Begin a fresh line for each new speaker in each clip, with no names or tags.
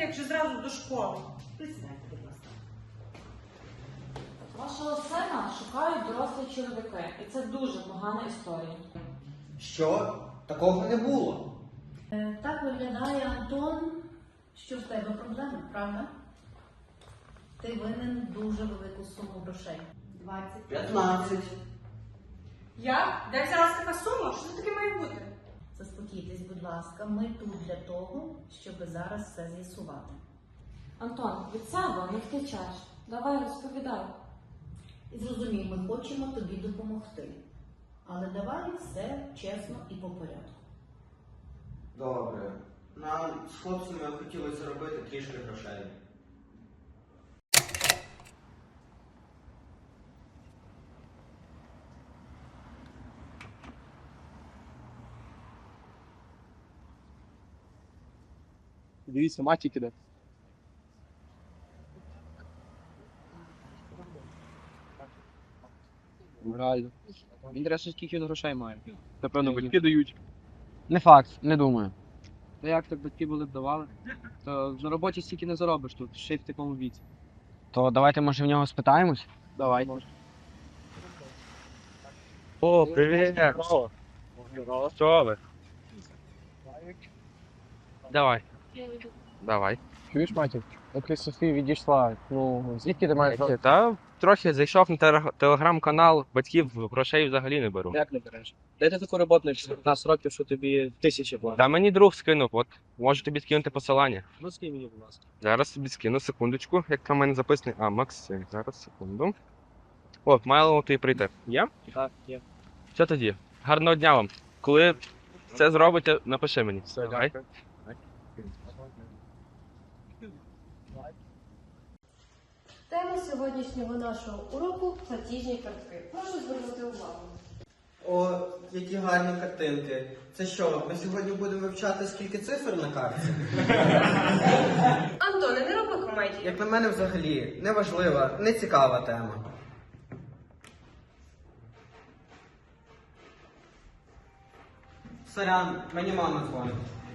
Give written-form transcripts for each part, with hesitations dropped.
дітей чи зразу до школи?
Присядьте, будь ласка.
Вашого сина шукають дорослі чоловіки, і це дуже погана історія.
Що? Такого не було.
Так виглядає, Антон, що в тебе проблеми, правда? Ти винен дуже велику суму грошей. 20.
15.
Я? Де взялася така сума? Що це таке має бути?
Заспокійтесь, будь ласка, ми тут для того, щоб зараз все з'ясувати.
Антон, від себе не втечеш. Давай розповідай.
І зрозумій, ми хочемо тобі допомогти. Але давай все чесно і по порядку.
Добре. Нам з хлопцями хотілося заробити трішки грошей.
Дивіться, матік іде. Реально. Інтересно, скільки він грошей має. Напевно, батьки дають.
Не факт, не думаю.
Та як так батьки були б давали? То на роботі стільки не заробиш тут, ще й в такому віці.
То давайте, може, в нього спитаємось?
Давай.
О, привіт! Що ви? Давай. Давай.
Чуєш, матік? Поки Софія відійшла, звідки ти маєш?
Та трохи зайшов на телеграм-канал, батьків грошей взагалі не беру.
Як не береш? Де ти таку роботу на 15 років, що тобі тисячі платять?
Та мені друг скинув, от можу тобі скинути посилання.
Ну скинь мені, будь ласка.
Зараз тобі скину, секундочку, як там в мене записаний. А, Максим, зараз, секунду. От, мало тобі прийти. Є?
Так, є.
Що тоді? Гарного дня вам. Коли це зробите, напиши мені. Давай.
Тема сьогоднішнього нашого уроку – платіжні картки. Прошу звернути увагу.
О, які гарні картинки. Це що, ми сьогодні будемо вивчати, скільки цифр на карті?
Антоне, не роби комедії.
Як на мене, взагалі, неважлива, нецікава тема. Сорян, мені мама дзвонить.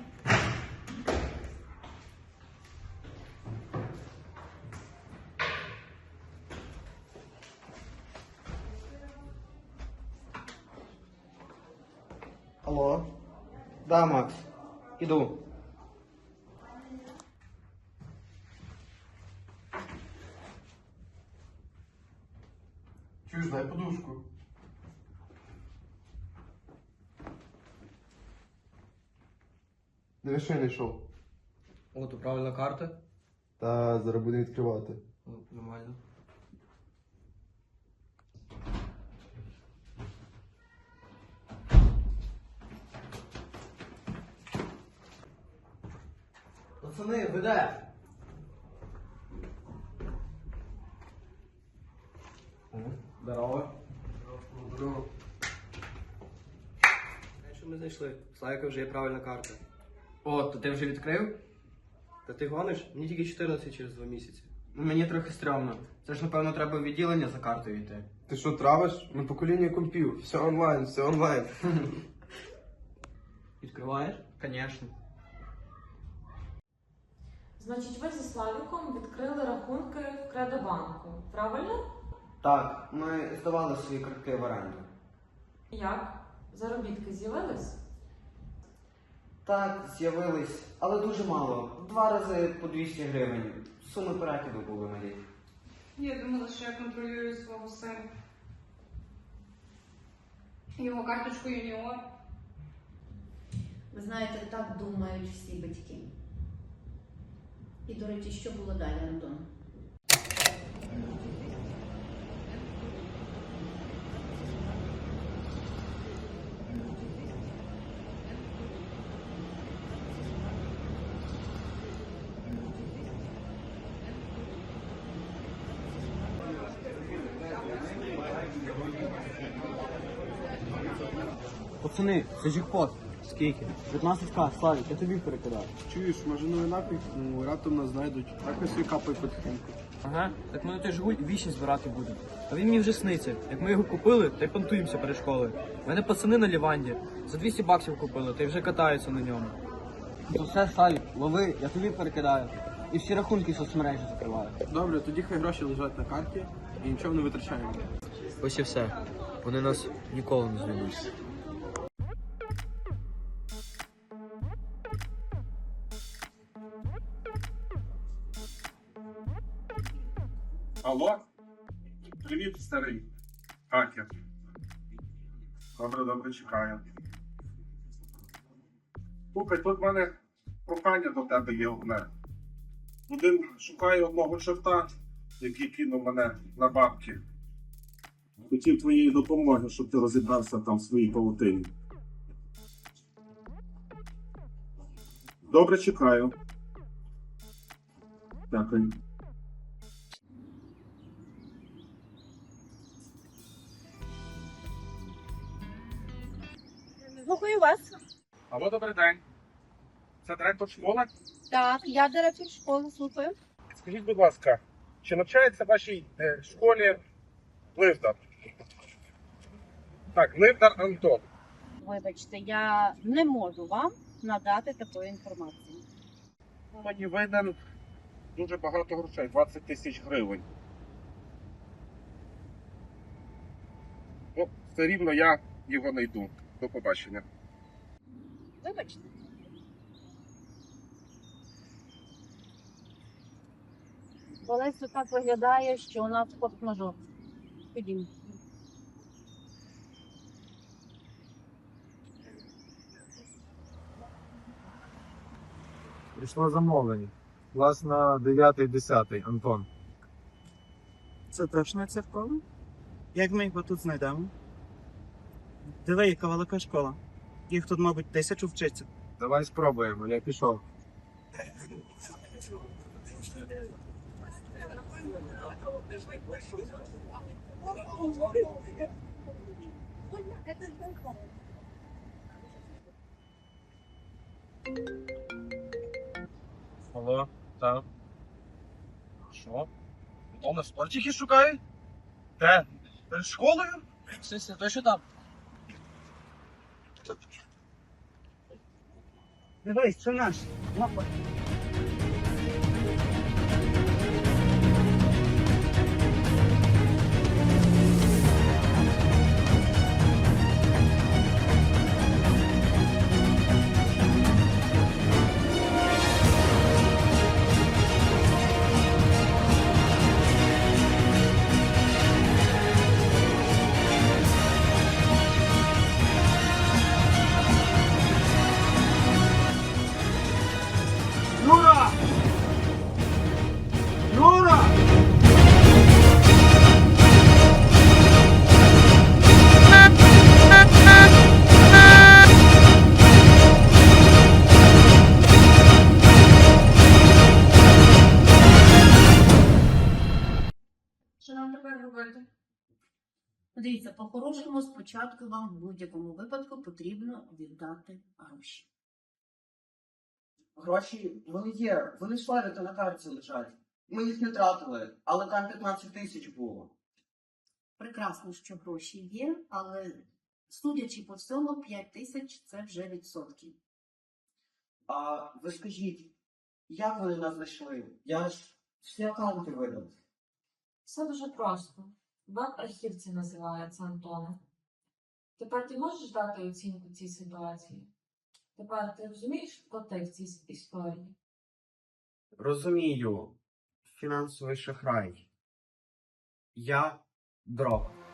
Алло? Да, Макс. Іду.
Чуєш, дай подушку. Диви, що я знайшов.
О, то правильна карта?
Та зараз будемо відкривати.
Нормально.
Пацани, ви де?
Здорово.
Здорово.
Що ми знайшли? Славіка вже є правильна карта. О, то ти вже відкрив? Та ти гониш? Мені тільки 14 через 2 місяці.
Мені трохи стрьомно. Це ж, напевно, треба в відділення за картою йти.
Ти що, травиш? Ми покоління компів. Все онлайн, все онлайн.
Відкриваєш?
Звісно.
Значить, ви зі Славіком відкрили рахунки в Кредобанку, правильно?
Так, ми здавали свої картки в оренду.
Як? Заробітки з'явились?
Так, з'явились, але дуже мало. 2 рази по 200 гривень. Суми перекиду були малі.
Я думала, що я контролюю свого сина. Його карточку юніор.
Ви знаєте, так думають всі батьки. І, до речі, що було далі, Антон?
Пацани, це джекпот. Скільки? 15к, Славік, я тобі перекидаю.
Чуєш, може новинах, раптом нас знайдуть. Так ось і капає потихеньку.
Ага, так ми на той Жигуль вічі збирати будемо. А він мені вже сниться. Як ми його купили, та й понтуємося перед школою. У мене пацани на Ліванді за 200 баксів купили, та й вже катаються на ньому.
Ну все, Славік, лови, я тобі перекидаю.
і всі рахунки соцмережі закриваю.
Добре, тоді хай гроші лежать на карті і нічого не витрачаємо.
Ось і все. Вони нас ніколи не звільнять.
Алло? Привіт, старий. Хакер. Добре, чекаю. Слухай, тут в мене прохання до тебе є одне. Шукає одного чорта, який кинув мене на бабки. Хотів твоєї допомоги, щоб ти розібрався там в своїй павутині. Добре, чекаю. Дякую.
Слухаю вас.
Алло, добрий день. Це директор школи?
Так, я директор школи, слухаю.
Скажіть, будь ласка, чи навчається в вашій школі Ливдар? Так, Ливдар Антон.
Вибачте, я не можу вам надати такої інформації.
Мені винен дуже багато грошей, 20 тисяч гривень. Ну, все рівно я його не йду. До побачення.
Вибачте. Олесю, так виглядає, що у нас форс-мажор. Ходімо.
Прийшло замовлення. Клас на 9-10, Антон.
Це точно ця школа? Як ми його тут знайдемо? Диви, яка велика школа. Їх тут, мабуть, 1000 вчиться.
Давай спробуємо, я пішов.
Алло, так. Що? Дома спортики шукають? Де? Перед школою?
Сися, то що там?
Дивись, це наш.
Юра! Юра!
Що нам тепер робити?
Дивіться, по-хорошому спочатку вам в будь-якому випадку потрібно віддати гроші.
Гроші, вони є, вони славі на карті лежать. Ми їх не тратили, але там 15 тисяч було.
Прекрасно, що гроші є, але судячи по всьому, 5 тисяч – це вже відсотки.
А ви скажіть, як вони нас знайшли? Я ж всі аккаунти видав.
Все дуже просто. Веб-архів це називається, Антоне. Тепер ти можеш дати оцінку цій ситуації? Тепер ти розумієш контекст цій історії?
Розумію. Фінансовий шахрай. Я дрог.